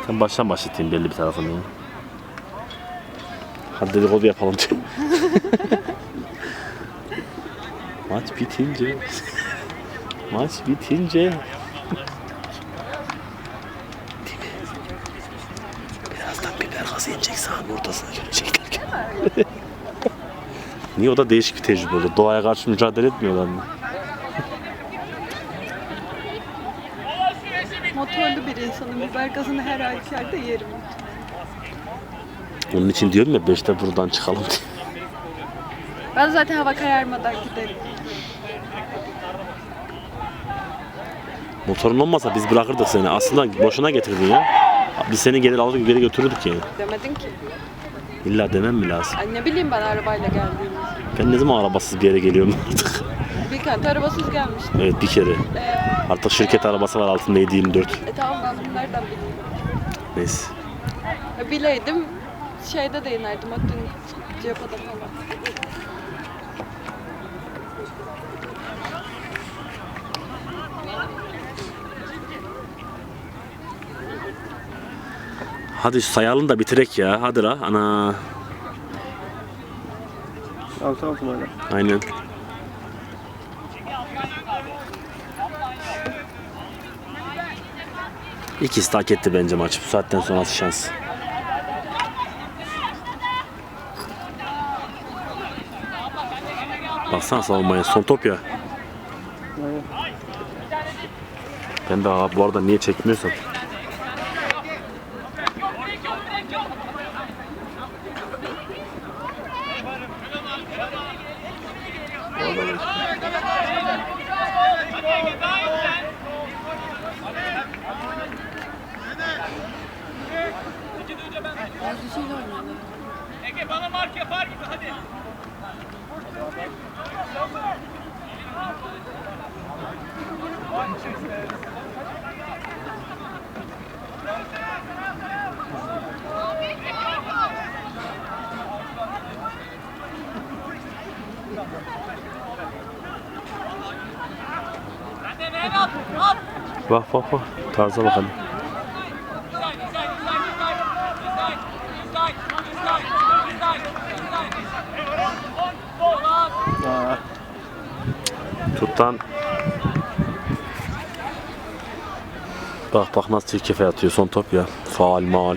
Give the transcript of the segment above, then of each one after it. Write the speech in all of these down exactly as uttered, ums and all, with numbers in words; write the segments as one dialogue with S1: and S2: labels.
S1: Sen baştan başlatayım belli bir tarafını ya. Hadi dedikodu yapalım. Maç bitince Maç bitince birazdan biber gazı inecek sahanın ortasına görecekler. Niye, o da değişik bir tecrübe oldu. Doğaya karşı mücadele etmiyorlar mı?
S2: Motorlu bir insanım. Biber gazını her halükarda yerim.
S1: Onun için diyorum ya beşte buradan çıkalım diye.
S2: Ben zaten hava kararmadan giderim.
S1: Motorun olmasa biz bırakırdık seni. Aslında boşuna getirdin ya. Biz seni gelir alır geri götürürdük yani.
S2: Demedin ki.
S1: İlla demem mi lazım?
S2: Ay ne bileyim ben arabayla geldiğimi.
S1: Ben ne zaman arabasız bir yere geliyorum artık?
S2: Bir kent arabasız gelmiştim.
S1: Evet, bir kere.
S2: Ee,
S1: Artık şirket arabası var altında yedi yirmi dört.
S2: e tamam ben bunu nereden bileyim?
S1: Neyse.
S2: E, bileydim şeyde de inerdim. Hatta Cihapada falan.
S1: Hadi sayalım da bitirek ya. Hadi la. Ana.
S3: Altı altı mı hala?
S1: Aynen. İkisi de hak etti bence maç. Bu saatten sonrası şans. Baksana savunmaya. Son top ya.
S3: Aynen.
S1: Ben de abi bu arada niye çekmiyorsam.
S4: Ege bana mark yapar gibi hadi. Hadi Mehmet at.
S1: Bak bak bak. Tarza bakalım.
S3: Aa,
S1: Tuttan. Bak bak nasıl çirkefe atıyor son top ya. Faal maal.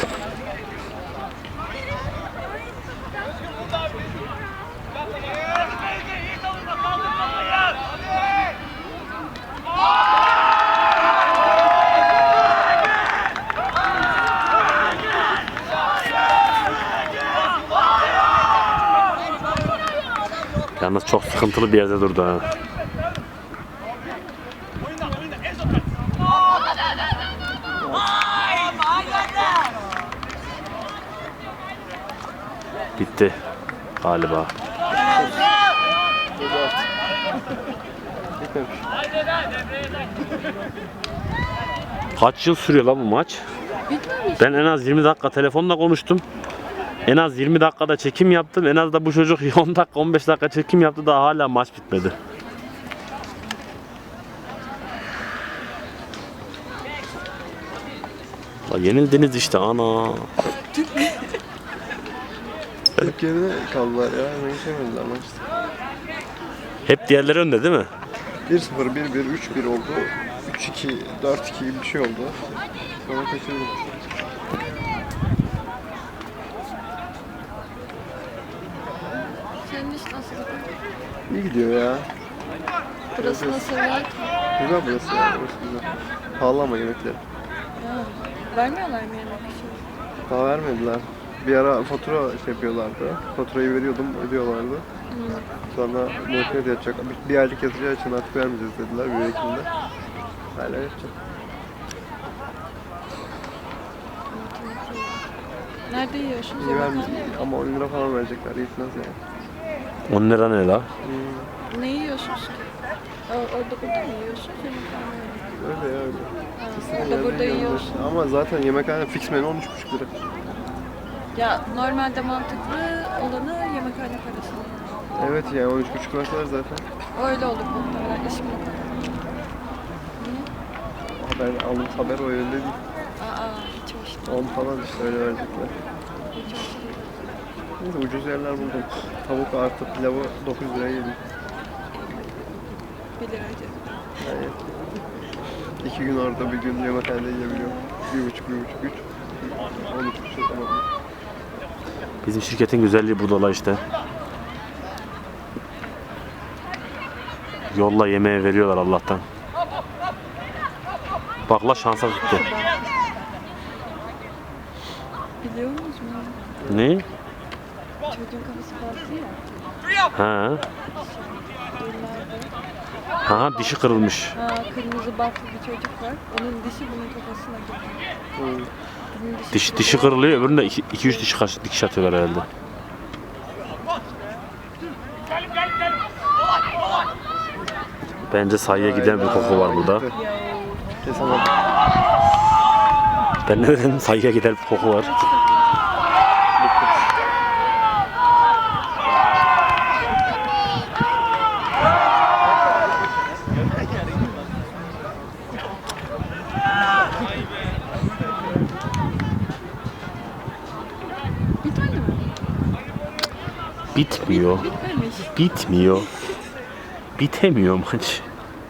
S1: Yalnız çok sıkıntılı bir yerde durdu ha. Bitti galiba.
S3: bitmemiş.
S1: Kaç yıl sürüyor lan bu maç? Ben en az yirmi dakika telefonla konuştum. En az yirmi dakikada çekim yaptım. En az da bu çocuk on dakika on beş dakika çekim yaptı, daha hala maç bitmedi. La yenildiniz işte ana.
S3: Çok geride kaldılar ya. Hemen geçemediler maçta.
S1: Hep diğerleri önde değil mi?
S3: bir sıfır, bir bir, üç bir oldu. üç iki, dört iki gibi bir şey oldu. Sonra kaçırdık.
S2: Senin iş nasıl?
S3: İyi gidiyor ya.
S2: Burası nasıl var?
S3: Güzel burası ya. Burası güzel. Pahalı ama yemekleri.
S2: Ha, vermiyorlar mı yemek için?
S3: Daha vermediler. Bir ara fatura şey yapıyorlardı. Faturayı veriyordum, ödüyorlardı. Sonra muhtemelen yatacak. Bir, bir aylık yatacağı için artık vermeyeceğiz dediler bir Ekim'de. Hala yatacak.
S2: Nerede yiyorsunuz?
S3: İyi vermeyecek ama on lira falan verecekler. Yetmez yani.
S1: on lira ne la?
S3: Hmm,
S2: Ne yiyorsunuz ki? O- Orada burada mı yiyorsunuz? Yemekhane mi?
S3: öyle ya öyle.
S2: Ha,
S3: İstediğin
S2: orada
S3: yerde
S2: burada
S3: yiyorsun.
S2: yiyorsun.
S3: Ama zaten yemekhane fix menü on üç buçuk lira.
S2: Ya normalde mantıklı olanı yemekhane parası.
S3: Evet ya on üç buçuk verseler zaten.
S2: Öyle olur muhtemelen. İş mi?
S3: Ben aldım haber o yönde değil.
S2: Aa, hiç hoş değil.
S3: on falan işte öyle verecekler.
S2: Hiç hoş değil.
S3: Neyse ucuz yerler buldum. Tavuk artı pilavı dokuz liraya yedim.
S2: bir lira ödedim.
S3: Yani iki gün orada bir gün yemekhanede yiyebiliyorum. Bir buçuk, bir buçuk, üç. On üç bir şey tamam.
S1: Bizim şirketin güzelliği budala işte. Yolla yemeğe veriyorlar Allah'tan. Bak la şansa tuttu.
S2: Biliyor musunuz?
S1: Ne?
S2: Çocuğun kafası bantlı ya.
S1: Ha.
S2: Yıllardır.
S1: Ha dişi kırılmış.
S2: Ha, kırmızı bantlı bir çocuk var. Onun dişi bunun kafasına geliyor. Bunun dişi
S1: Diş, dişi kırılıyor, öbüründe iki üç diş kaç, dikiş atıyorlar herhalde. Bence sayıya giden bir koku var burada.
S3: Kesin oldu.
S1: Ben ne dedim? Sayıya giden bir koku var.
S2: Bitmedi mi?
S1: Bitmiyor.
S2: Bitmemiş.
S1: Bitmiyor. Bitemiyor maç.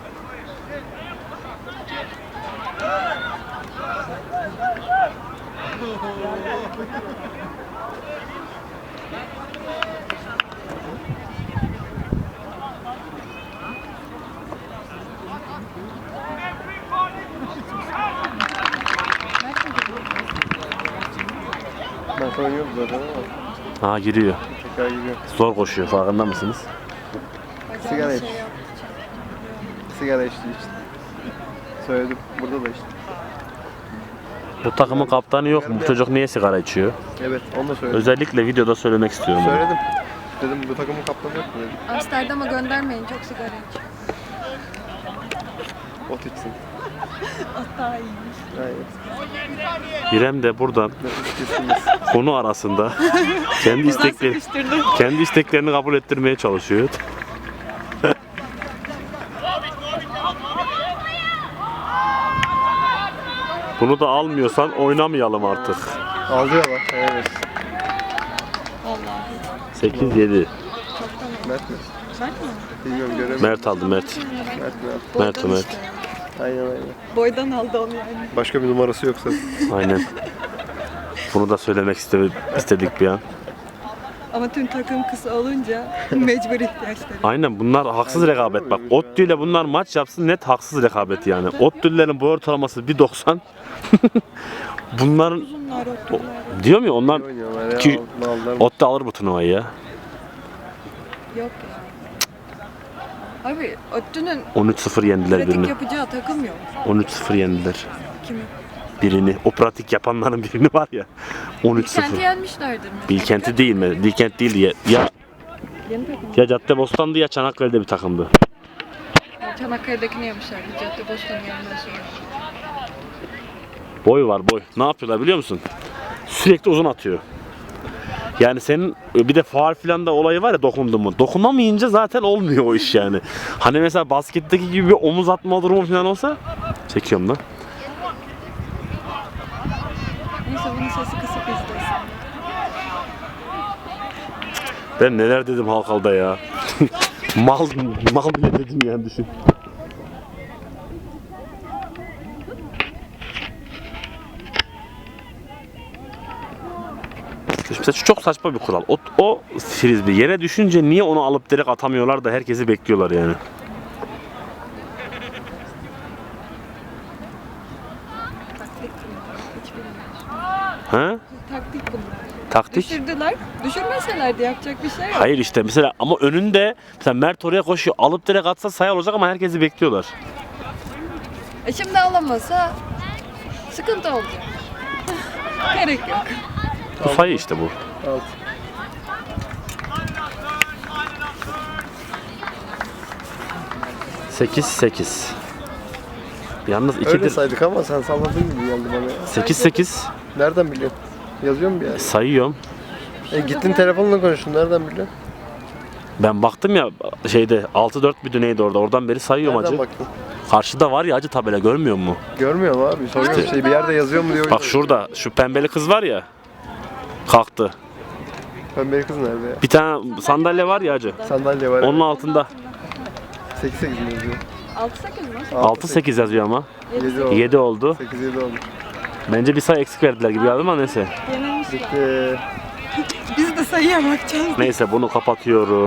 S3: Ben sana oynuyorum zaten ama
S1: Ha giriyor.
S3: tekrar gidiyor.
S1: Zor koşuyor, farkında mısınız?
S2: Bacağına
S3: Sigara iç.
S2: şey yaptı.
S3: Sigara içti işte. Söyledim. Burada da işte.
S1: Bu takımın kaptanı yok mu? Bu çocuk niye sigara içiyor?
S3: Evet onu da söyledim.
S1: Özellikle videoda söylemek istiyorum bunu.
S3: Söyledim. Dedim bu takımın kaptanı yok mu dedim.
S2: Amsterdam'a göndermeyin, çok sigara iç.
S3: Ot içsin.
S2: Hatta iyiymiş.
S3: Hayır.
S1: İrem de buradan
S3: Nefes kesilmez.
S1: konu arasında kendi istekleri
S2: Sıkıştırdım.
S1: kendi isteklerini kabul ettirmeye çalışıyor. Bunu da almıyorsan oynamayalım artık.
S3: Alıyorlar. Evet.
S2: Vallahi.
S1: sekiz yedi.
S3: Mert mi?
S2: Mert mi?
S3: Bilmiyorum göremedim.
S1: Mert aldı Mert.
S3: Mert mi?
S1: Mert,
S2: Boydan
S1: Mert.
S2: işte.
S3: Aynen aynen.
S2: Boydan aldı onu yani.
S3: Başka bir numarası yoksa.
S1: Aynen. Bunu da söylemek iste- istedik bir an.
S2: Ama tüm takım kısa olunca mecbur ihtiyaçları.
S1: Aynen bunlar haksız rekabet. Bak Ottu ile bunlar maç yapsın net haksız rekabet yani. Ottu'lerin boy ortalaması bir doksan. Bunların
S2: Uzunlar,
S1: o,
S2: otlular.
S1: diyorum ya onlar
S3: Oynuyorlar ya.
S1: İki-
S3: Aldılar.
S1: Ottu alır bu turnuvayı ya.
S2: Yok ya. Abi Ottu'nun
S1: on üç sıfır yendiler
S2: pratik
S1: birini.
S2: yapacağı takım yok.
S1: on üç sıfır yendiler
S2: Kimi?
S1: birini. O pratik yapanların birini var ya. on üç
S2: Kenti
S1: sıfır.
S2: yenmişlerdir mi?
S1: Bilkent'i değil mi? Bilkent değil ya. Ya,
S2: Yeni takım.
S1: ya Caddebostan'dı ya Çanakkale'de bir takımdı.
S2: Çanakkale'dekini yemişlerdi. Caddebostan'ı yenmez sonra.
S1: Boy var boy. Ne yapıyorlar biliyor musun? Sürekli uzun atıyor. Yani senin bir de faul filan da olayı var ya dokundu mu? Dokunamayınca zaten olmuyor o iş yani. Hani mesela basketteki gibi bir omuz atma durumu falan olsa çekiyorum da.
S2: Neyse bunun sesi kısık izlesin.
S1: Ben neler dedim Halkal'da ya. mal mal bile dedim yani düşün. Mesela şu çok saçma bir kural. O, o frisbee yere düşünce niye onu alıp direkt atamıyorlar da herkesi bekliyorlar yani.
S2: Taktik bunlar. Hiç bilmiyorum.
S1: Ha?
S2: Taktik bunlar.
S1: Taktik.
S2: Düşürdüler. Düşürmeselerdi yapacak bir şey yok.
S1: Hayır işte mesela ama önünde mesela Mert oraya koşuyor. Alıp direkt atsa sayı olacak ama herkesi bekliyorlar.
S2: E şimdi alamasa sıkıntı olacak. Gerek yok.
S1: Bu sayı işte bu.
S3: Alt.
S1: sekiz sekiz. Yalnız
S3: Öyle
S1: ikidir.
S3: saydık ama sen salladığın gibi geldi bana ya.
S1: sekiz sekiz.
S3: Nereden biliyorsun? Yazıyor mu bir yer?
S1: Sayıyorum.
S3: E gittin telefonla konuştun. Nereden biliyorsun?
S1: Ben baktım ya şeyde altı dört bir neydi orada. Oradan beri sayıyorum
S3: Nereden
S1: acı.
S3: baktın?
S1: Karşıda var ya acı tabela görmüyor musun?
S3: Görmüyorum abi. Soruyorum şey bir yerde yazıyor mu diyor.
S1: Bak şurada şu pembeli kız var ya. Kalktı.
S3: Pembe kız nerede ya?
S1: Bir tane sandalye var ya acı.
S3: Sandalye var.
S1: Onun altında.
S3: sekiz sekiz mi yazıyor?
S2: altı sekiz mi?
S1: altı sekiz yazıyor ama.
S3: yedi oldu.
S1: yedi oldu.
S3: sekiz yedi olmuş.
S1: Bence bir sayı eksik verdiler gibi geldi ama neyse.
S2: Yenilmişler.
S3: Bitti.
S2: Biz de sayıya bakacağız.
S1: Neyse bunu kapatıyorum.